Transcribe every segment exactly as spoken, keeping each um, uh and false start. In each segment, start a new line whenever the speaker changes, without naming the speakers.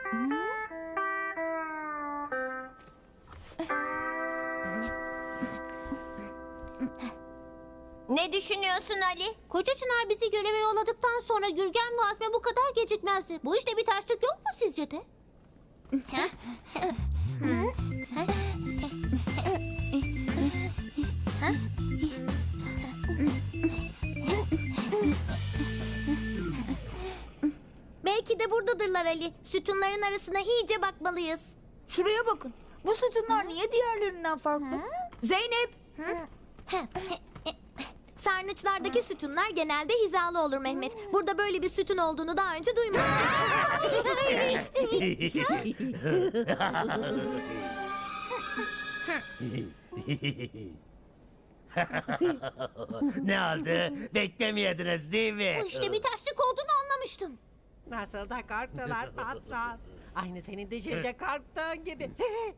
Ne düşünüyorsun Ali?
Koca Çınar bizi göreve yolladıktan sonra Gürgen ve Azmi bu kadar gecikmezdi. Bu işte bir terslik yok mu sizce de?
Belki de buradadırlar Ali. Sütunların arasına iyice bakmalıyız.
Şuraya bakın. Bu sütunlar niye diğerlerinden farklı? Zeynep!
Sarnıçlardaki sütunlar genelde hizalı olur Mehmet. Burada böyle bir sütun olduğunu daha önce duymamıştım.
Ne oldu? Beklemiyordunuz değil mi?
Bu işte bir terslik olduğunu anlamıştım.
Nasıl da korktular patron. Aynı senin düşünce korktuğun gibi.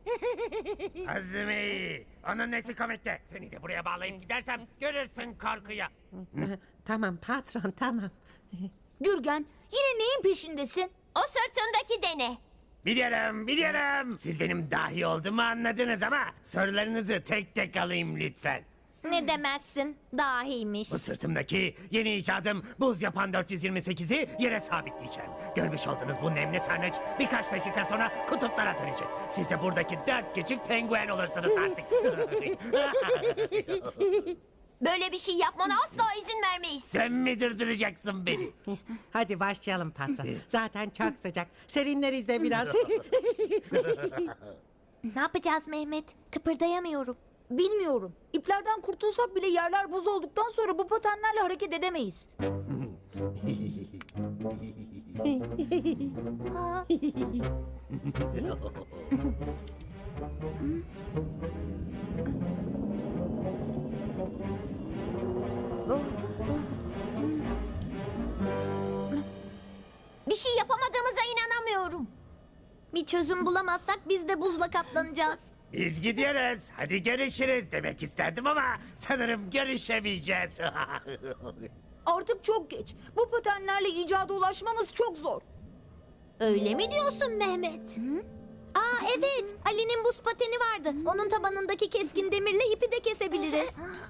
Azmi! Onun nesi komikti? Seni de buraya bağlayıp gidersem görürsün korkuyu.
Tamam patron tamam.
Gürgen, yine neyin peşindesin?
O sırtındaki dene.
Biliyorum, biliyorum. Siz benim dahi olduğumu anladınız ama sorularınızı tek tek alayım lütfen.
Ne demezsin, dahiymiş.
Bu sırtımdaki yeni icadım buz yapan dört yüz yirmi sekizi yere sabitleyeceğim. Görmüş olduğunuz bu nemli sarnıç birkaç dakika sonra kutuplara dönecek. Siz de buradaki dört küçük penguen olursunuz artık.
Böyle bir şey yapmana asla izin vermeyiz.
Sen mi durduracaksın beni?
Hadi başlayalım patron. Zaten çok sıcak. Serinleriz de biraz.
Ne yapacağız Mehmet? Kıpırdayamıyorum.
Bilmiyorum. İplerden kurtulsak bile yerler buz olduktan sonra bu patenlerle hareket edemeyiz.
Bir şey yapamadığımıza inanamıyorum.
Bir çözüm bulamazsak biz de buzla kaplanacağız.
Biz gidiyoruz. Hadi görüşürüz demek isterdim ama sanırım görüşemeyeceğiz.
Artık çok geç. Bu patenlerle icada ulaşmamız çok zor.
Öyle mi diyorsun Mehmet?
Aa evet, Ali'nin buz pateni vardı. Onun tabanındaki keskin demirle ipi de kesebiliriz.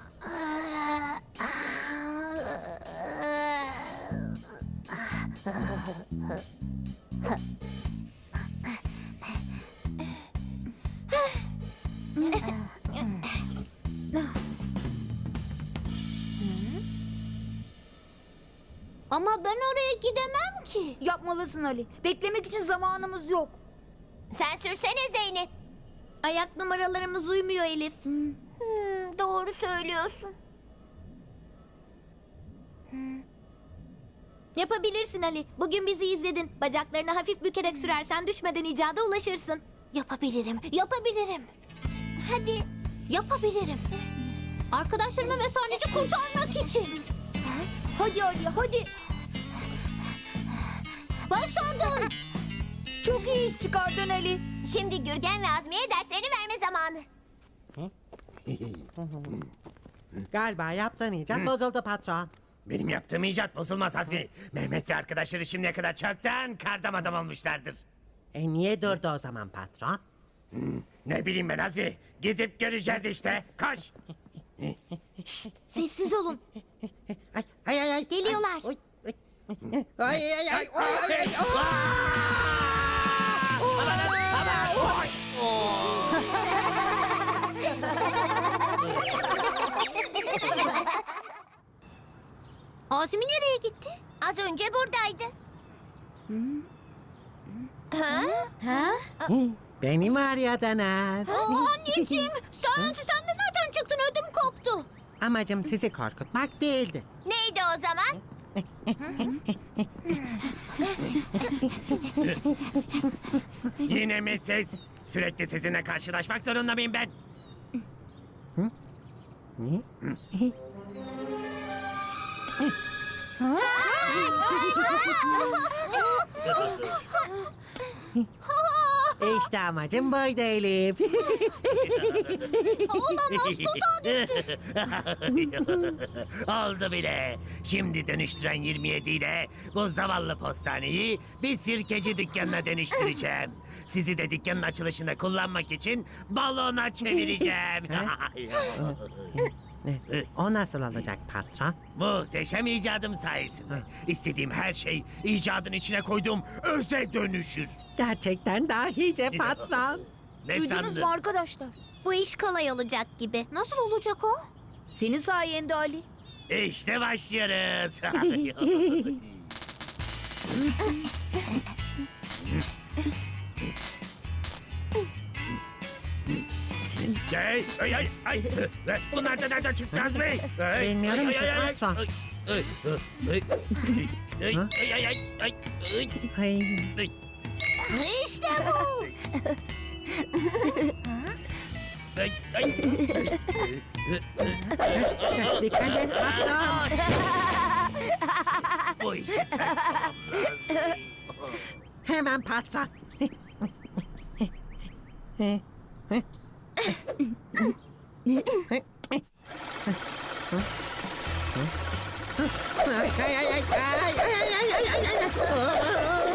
Ama ben oraya gidemem ki.
Yapmalısın Ali. Beklemek için zamanımız yok.
Sen sürsene Zeynep.
Ayak numaralarımız uymuyor Elif.
Hmm, doğru söylüyorsun.
Yapabilirsin Ali. Bugün bizi izledin. Bacaklarını hafif bükerek sürersen düşmeden icada ulaşırsın.
Yapabilirim, yapabilirim. Hadi, yapabilirim. Arkadaşlarımı ve sarnıcı kurtarmak için.
Hadi Ali hadi.
Başardım.
Çok iyi iş çıkardın Ali.
Şimdi Gürgen ve Azmi'ye derslerini verme zamanı.
Galiba yaptığın icat bozuldu patron.
Benim yaptığım icat bozulmaz Azmi. Mehmet ve arkadaşları şimdiye kadar çoktan kardam adam olmuşlardır.
E niye durdu o zaman patron?
Ne bileyim ben Azmi. Gidip göreceğiz işte. Koş.
Sessiz olun.
Ay ay ay. ay.
Geliyorlar.
Ay, ay, ay, ay, ay, ay, ay, ay, ay.
Azmi nereye gitti?
Az önce buradaydı.
Ha?
Beni mi arıyordunuz?
Aa, anneciğim, sen, sen de nereden çıktın? Ödüm koptu.
Amacım sizi korkutmak değildi.
Neydi o zaman?
Yine mi siz? Sürekli sizinle karşılaşmak zorunda mıyım ben?
Ne? İşte amacım buydu Elif.
Oldu bile. Şimdi dönüştüren yirmi yedi ile bu zavallı postaneyi bir sirkeci dükkanına dönüştüreceğim. Sizi de dükkanın açılışında kullanmak için balona çevireceğim.
O nasıl olacak patron?
Muhteşem icadım sayesinde. İstediğim her şey icadın içine koyduğum öze dönüşür.
Gerçekten dahice patron.
Ne
Duydunuz
sandın?
mu arkadaşlar?
Bu iş kolay olacak gibi.
Nasıl olacak o?
Senin sayende Ali.
İşte başlıyoruz. Ay, ay, ay, ay. Bunlar da nereden çıktı Azmi? Ay,
Bilmiyorum
ay,
ki,
ay, ay,
patron.
ay, ay, ay, ay,
Ha?
ay, ay, ay, ay, ay,
Ay.
ay.
İşte bu.
Ay, ay.
Dikkat et patron.
Bu işi sen tamamlarsın.
Hemen patron. Ay, ay, ay, ay, ay, ay, ay, ay, ay, ay.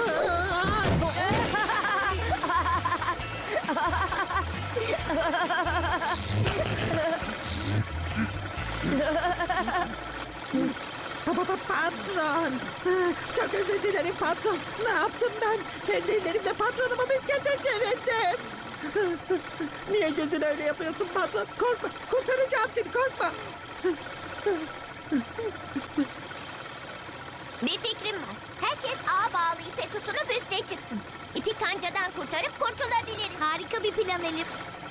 Pa- pa- pa- Patron. Çok özür dilerim patron. Ne yaptım ben? Kendi ellerimle patronumu miskete çevirdim. Niye gözün öyle yapıyorsun patron? Korkma. Kurtaracağım seni korkma.
Bir fikrim var. Herkes ağa bağlı ipe tutunup üste çıksın. İpi kancadan kurtarıp kurtulabiliriz.
Harika bir plan Elif.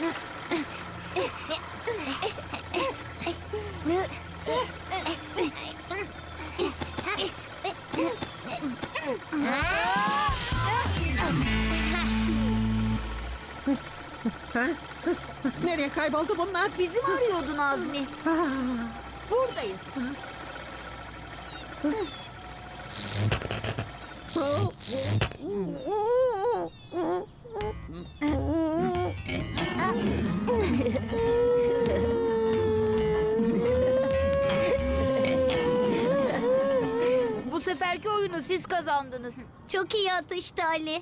Ha? Nereye kayboldu bunlar?
Bizi mi arıyordun Azmi? Buradayız. Bu seferki oyunu siz kazandınız.
Çok iyi atıştı Ali.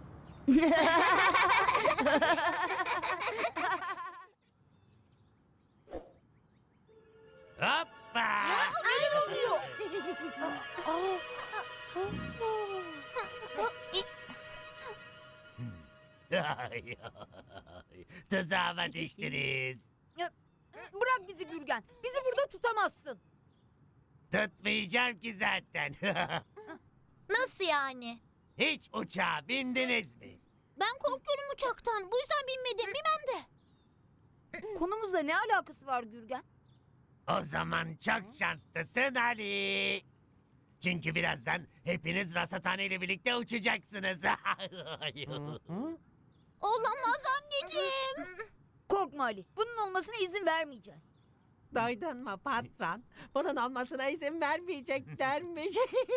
Hoppa! Ay, ay. Tuzağıma düştünüz.
Bırak bizi Gürgen. Bizi burada tutamazsın.
Tutmayacağım ki zaten.
Nasıl yani?
Hiç uçağa bindiniz mi?
Ben korkuyorum uçaktan. Bu yüzden binmedim. Bilmem de.
Konumuzla ne alakası var Gürgen?
O zaman çok şanslısın Ali. Çünkü birazdan hepiniz Rasathane ile birlikte uçacaksınız.
Olamaz anneciğim.
Korkma Ali. Bunun olmasına izin vermeyeceğiz.
Duydun mu patron? Bunun olmasına izin vermeyeceklermiş.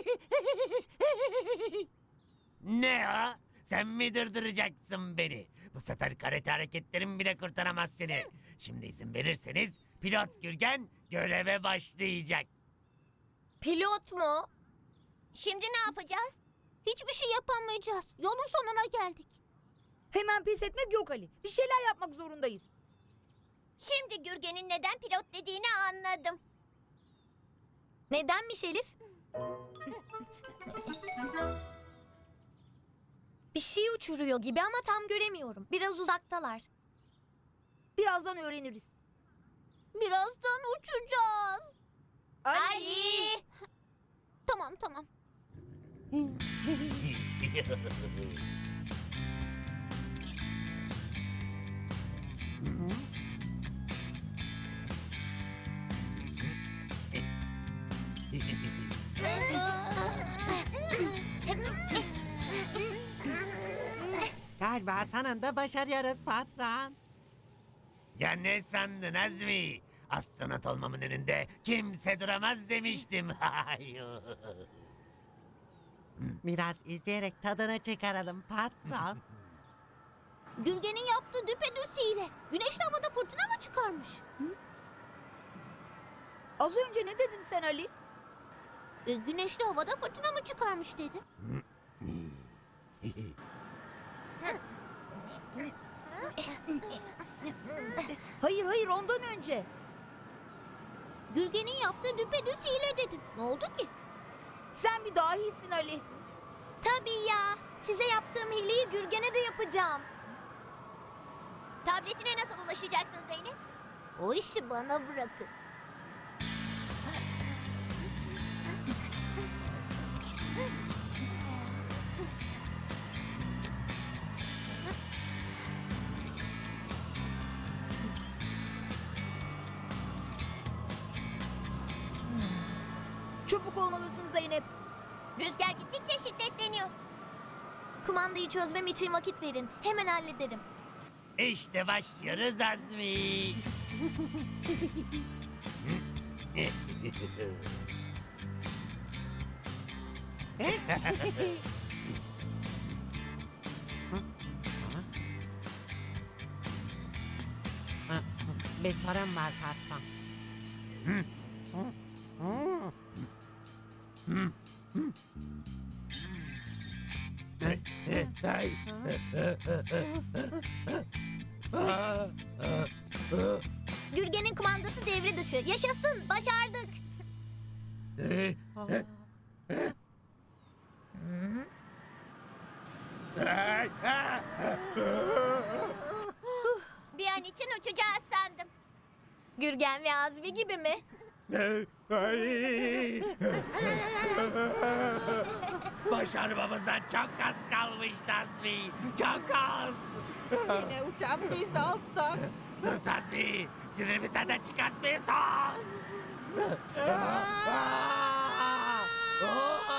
Ne o? Sen mi durdıracaksın beni? Bu sefer karate hareketlerim bile kurtaramaz seni. Şimdi izin verirseniz pilot Gürgen göreve başlayacak.
Pilot mu? Şimdi ne yapacağız?
Hiçbir şey yapamayacağız. Yolun sonuna geldik.
Hemen pes etmek yok Ali. Bir şeyler yapmak zorundayız.
Şimdi Gürgen'in neden pilot dediğini anladım.
Nedenmiş Elif? Bir şey uçuruyor gibi ama tam göremiyorum. Biraz uzaktalar.
Birazdan öğreniriz.
Birazdan uçacağız.
Ali!
Tamam tamam.
Galiba sonunda başarıyoruz patron.
Ya ne sandın Azmi? Astronot olmamın önünde kimse duramaz demiştim.
Biraz izleyerek tadını çıkaralım patron.
Gürgen'in yaptığı düpedüz hile. Güneşli havada fırtına mı çıkarmış?
Az önce ne dedin sen Ali?
E, güneşli havada fırtına mı çıkarmış dedim.
Hayır hayır ondan önce.
Gürgen'in yaptığı düpedüz hile dedim. Ne oldu ki?
Sen bir dahisin Ali.
Tabii ya. Size yaptığım hileyi Gürgen'e de yapacağım.
Tabletine nasıl ulaşacaksın Zeynep?
O işi bana bırakın.
Çabuk olmalısın Zeynep.
Rüzgar gittikçe şiddetleniyor.
Kumandayı çözmem için vakit verin. Hemen hallederim.
İşte başlıyoruz Azmi.
Bir sorun var patron.
Gürgen'in kumandası devre dışı. Yaşasın. Başardık.
Bir an için uçacağız sandım.
Gürgen ve Azmi gibi mi?
Başarmamıza çok az kalmıştı Azmi. Çok az.
Yine uçan biz olduk.
Sus Azmi. Sinirimi senden çıkartmayayım sus.